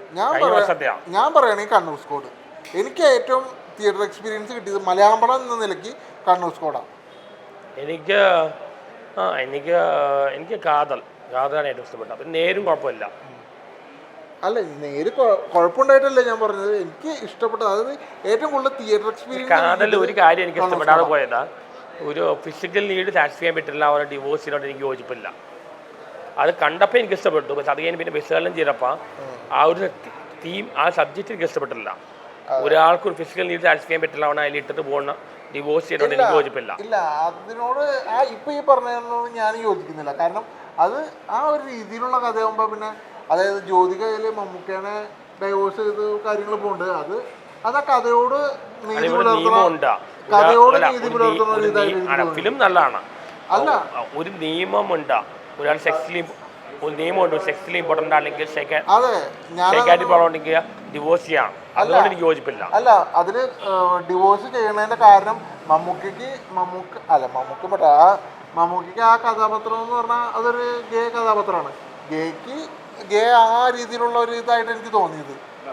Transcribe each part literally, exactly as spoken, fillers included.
ഞാൻ ഞാൻ പറയുകയാണെങ്കിൽ കണ്ണൂർ സ്കോഡ്. എനിക്ക് ഏറ്റവും തിയേറ്റർ എക്സ്പീരിയൻസ് കിട്ടിയത് മലയാളം പടം എന്ന നിലയ്ക്ക് കണ്ണൂർ സ്കോഡാണ്. എനിക്ക് ആ എനിക്ക് എനിക്ക് കാതൽ കാതലാണ് ഏറ്റവും ഇഷ്ടപ്പെട്ടത്. അപ്പം നേരും കുഴപ്പമില്ല. അല്ല, നേര് കുഴപ്പമുണ്ടായിട്ടല്ലേ ഞാൻ പറഞ്ഞത്. എനിക്ക് ഇഷ്ടപ്പെട്ടത് അതായത് ഏറ്റവും കൂടുതൽ തിയേറ്റർ എക്സ്പീരിയൻസ്. കാതൽ ഒരു കാര്യം എനിക്ക് ഇഷ്ടപ്പെടാതെ പോയതാ, ഒരു ഫിസിക്കൽ നീഡ് സാറ്റിസ്ഫൈ ചെയ്യാൻ പറ്റില്ല അവരുടെ ഡിവോഴ്സിനോട് എനിക്ക് യോജിപ്പില്ല. അത് കണ്ടപ്പോൾ എനിക്ക് ഇഷ്ടപ്പെട്ടു. പക്ഷെ അത് കഴിഞ്ഞ് പിന്നെ വിശകലനം ചെയ്തപ്പോൾ ആ ഒരു തീം ആ സബ്ജക്റ്റ് എനിക്ക് ഇഷ്ടപ്പെട്ടില്ല. ഒരാൾക്ക് ഒരു ഫിസിക്കൽ നീഡ് സാറ്റിസ്ഫൈ ചെയ്യാൻ പറ്റില്ല അവനെ അതിൽ ഇട്ടിട്ട് പോകുന്ന ഡിവോഴ്സ് ചെയ്യുന്നതുകൊണ്ട് എനിക്ക് യോജിപ്പില്ല. ഇല്ല, അതിനോട് ആ ഇപ്പം ഈ പറഞ്ഞതിനോട് ഞാൻ യോജിക്കുന്നില്ല. കാരണം അത് ആ ഒരു രീതിയിലുള്ള കഥയാകുമ്പോൾ പിന്നെ അതായത് ജ്യോതികയിൽ മമ്മൂക്കേനെ ഡൈവോഴ്സ് ചെയ്ത് കാര്യങ്ങൾ പോകുന്നുണ്ട്. അത് അത് ആ കഥയോട് നീതി പുലർത്തുന്ന കഥയോട് നീതി പുലർത്തുന്ന ഫിലിം നല്ലതാണ്. അല്ല, ഒരു നിയമമുണ്ട്. ഒരാൾ സെക്സിലി ഒരു നിയമമുണ്ട്. സെക്സിലി ഇമ്പോർട്ടൻ്റ് ആണെങ്കിൽ ഉണ്ടെങ്കിൽ ഡിവോഴ്സ് ചെയ്യാം. അതുകൊണ്ട് എനിക്ക് യോജിപ്പില്ല. അല്ല, അതില് ഡിവോഴ്സ് ചെയ്യണതിന്റെ കാരണം മമ്മൂക്കയ്ക്ക് മമ്മൂക്ക അല്ല മമ്മൂക്ക പറ്റാ ആ മമ്മൂക്കയ്ക്ക് ആ കഥാപാത്രം എന്ന് പറഞ്ഞാൽ അതൊരു ഗേ കഥാപാത്രമാണ്. ഗേക്ക് ഗേ ആ രീതിയിലുള്ള ഒരു ഇതായിട്ട് എനിക്ക് തോന്നിയത്.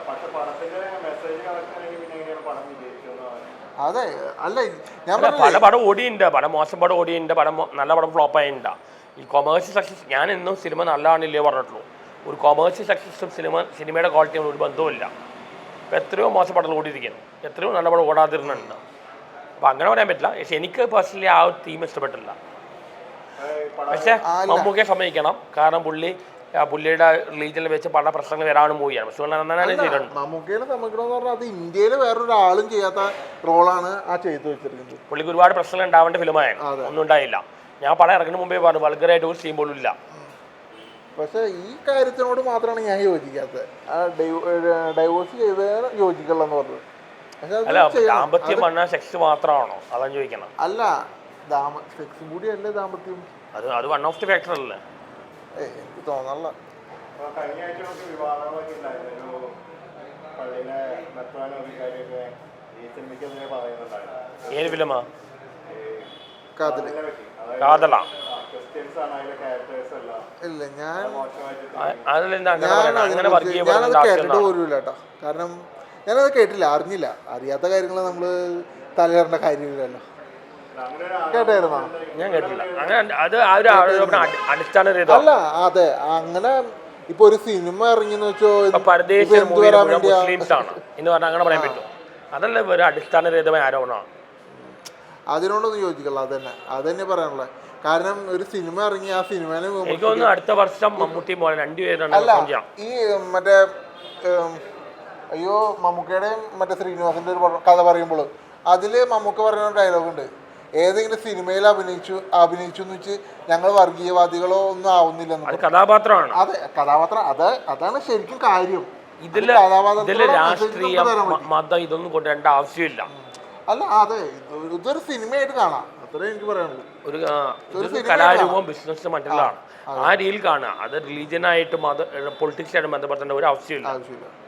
അതെ, അല്ല ഞാൻ പല പടം ഓടിയുണ്ട്, പടം മോശം പടം ഓടിയുണ്ട്, പടം നല്ല പടം ഫ്ലോപ്പ് ആയിട്ടുണ്ട്. ഈ കൊമേഴ്സ്യൽ സക്സസ് ഞാൻ എന്നും സിനിമ നല്ലതാണില്ലേ പറഞ്ഞിട്ടുള്ളൂ. ഒരു കൊമേഴ്സ്യൽ സക്സസും സിനിമ സിനിമയുടെ ക്വാളിറ്റിയും ഒരു ബന്ധവുമില്ല. ഇപ്പോൾ എത്രയോ മോശം പടം ഓടിയിരിക്കുന്നു, എത്രയോ നല്ല പടം ഓടാതിരുന്നുണ്ട്. അപ്പോൾ അങ്ങനെ പറയാൻ പറ്റില്ല. പക്ഷെ എനിക്ക് പേഴ്സണലി ആ ഒരു തീം ഇഷ്ടപ്പെട്ടില്ല. പക്ഷേ മമ്മൂക്കയെ സമ്മതിക്കണം. കാരണം പുള്ളി പുള്ളിയുടെ റിലീജിയനിൽ വെച്ച് പല പ്രശ്നങ്ങൾ വരാനും മൂവിയാണ്. പക്ഷെ നന്നായി ചെയ്തിട്ടുണ്ട്. മമ്മൂക്കയെ സമ്മതിക്കണമെന്ന് പറഞ്ഞാൽ അത് ഇന്ത്യയിൽ വേറൊരാളും ചെയ്യാത്ത റോളാണ് ആ ചെയ്തു വെച്ചിരിക്കുന്നത്. പുള്ളിക്ക് ഒരുപാട് പ്രശ്നങ്ങൾ ഉണ്ടാവേണ്ട ഫിലിമായിരുന്നു, ഒന്നും ഉണ്ടായില്ല. ഞാൻ പടം ഇറങ്ങുന്ന മുമ്പേ പറഞ്ഞു വൾഗറായിട്ട് ഒരു സീൻ പോലും ഇല്ല. പക്ഷേ ഈ കാര്യത്തിനോട് മാത്രമാണ് ഞാൻ യോജിക്കാത്തത്. ആ ഡൈവോഴ്സ് ചെയ്തതിന് യോജിക്കുള്ളെന്ന് പറഞ്ഞത്. അല്ല, ദാമ്പത്യം പറഞ്ഞാൽ സെക്സ് മാത്രമാണോ? അതാണ് ചോദിക്കണം. അല്ല, സെക്സും കൂടി അല്ലേ ദാമ്പത്യം? അത് അത് വൺ ഓഫ് ദി ഫാക്ടർ അല്ലേ? ഏ എനിക്ക് തോന്നല്ല. ഏത് ഫിലിമാ? കാതല്. കാതലാ? ഇല്ല, ഞാൻ ഞാനത് കേട്ടിട്ട് പോലുമില്ല കേട്ടോ. കാരണം ഞാനത് കേട്ടില്ല, അറിഞ്ഞില്ല. അറിയാത്ത കാര്യങ്ങൾ നമ്മൾ തലയിടേണ്ട കാര്യമില്ലല്ലോ. കേട്ടായിരുന്നോ? ഞാൻ കേട്ടില്ല. അങ്ങനെ അത് അടിസ്ഥാന അല്ല, അതെ. അങ്ങനെ ഇപ്പൊ ഒരു സിനിമ ഇറങ്ങിയെന്ന് വെച്ചോ മുസ്ലിംസ് ആണ് എന്ന് പറഞ്ഞാൽ അങ്ങനെ പറയാൻ പറ്റും. അതല്ല ഒരു അടിസ്ഥാനരഹിതമായ ആരോപണമാണ്. അതിനോടൊന്നും യോജിക്കല്ല. അത് തന്നെ അത് തന്നെ പറയാനുള്ളത്. കാരണം ഒരു സിനിമ ഇറങ്ങി ആ സിനിമേനെ എനിക്ക് തോന്നുന്നു അടുത്ത വർഷം മമ്മൂട്ടി പോലെ രണ്ടുപേരാണ്. ഈ മറ്റേ അയ്യോ മമ്മൂക്കയുടെയും മറ്റേ ശ്രീനിവാസന്റെ ഒരു കഥ പറയുമ്പോൾ അതില് മമ്മൂക്ക പറയുന്ന ഡയലോഗ് ഉണ്ട്, ഏതെങ്കിലും സിനിമയിൽ അഭിനയിച്ചു അഭിനയിച്ചു എന്ന് വെച്ച് ഞങ്ങൾ വർഗീയവാദികളോ ഒന്നും ആവുന്നില്ലെന്ന്. കഥാപാത്രമാണ്. അതെ, കഥാപാത്രം. അത് അതാണ് ശരിക്കും കാര്യം. ഇതില് രാഷ്ട്രീയ മതം ഇതൊന്നും കൊണ്ടുവരേണ്ട ആവശ്യമില്ല. അല്ല, അതെ, ഇതൊരു സിനിമയായിട്ട് കാണാം. അത്രേ എനിക്ക് പറയാനുള്ളൂ. ഒരു കലാരൂപം ബിസിനസ് മറ്റുള്ളതാണ്. ആ രീതിയിൽ കാണുക. അത് റിലീജിയനായിട്ടും അത് പൊളിറ്റിക്സായിട്ടും ബന്ധപ്പെടുത്തേണ്ട ഒരു ആവശ്യമില്ല. ആവശ്യമില്ല